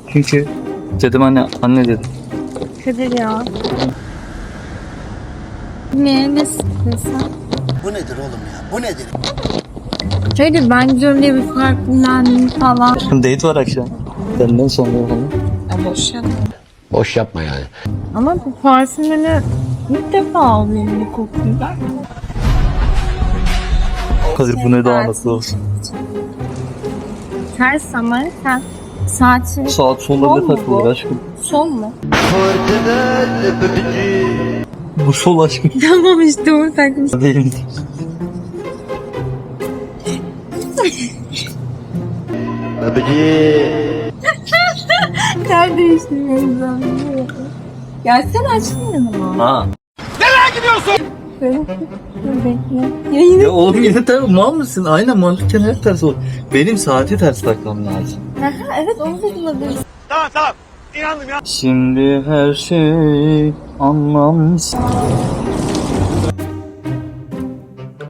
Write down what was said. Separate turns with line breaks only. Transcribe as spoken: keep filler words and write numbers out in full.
Çünkü dedim anne, anne dedim.
Kadir ya. Ne? Ne sen?
Bu nedir oğlum ya? Bu nedir?
Kadir ben gidiyorum diye bir farkından falan.
Date var akşam. Benden sonra falan.
Ya boş yapma.
Boş yapma yani.
Ama bu parfümünü ilk defa alıyorum bir kokuyla.
Kadir bu ne daha nasıl olsun.
Ters ama sen saati
Saat
Son
sonlarında
mu
takılır
bu?
aşkım.
son mu?
Bu sol aşkım.
Tamam işte onu takmış.
Değil.
Kardeşim benim zamanım. Gelsene açtın yanıma.
Ha.
Böyle dur bekle. Yayını.
Ya oğlum yine ters, mal mısın? Aynen mantıken hep ters olur. Benim saati ters takmam lazım.
Aha, evet onu da bulabiliriz.
Şimdi her şey anlamsız.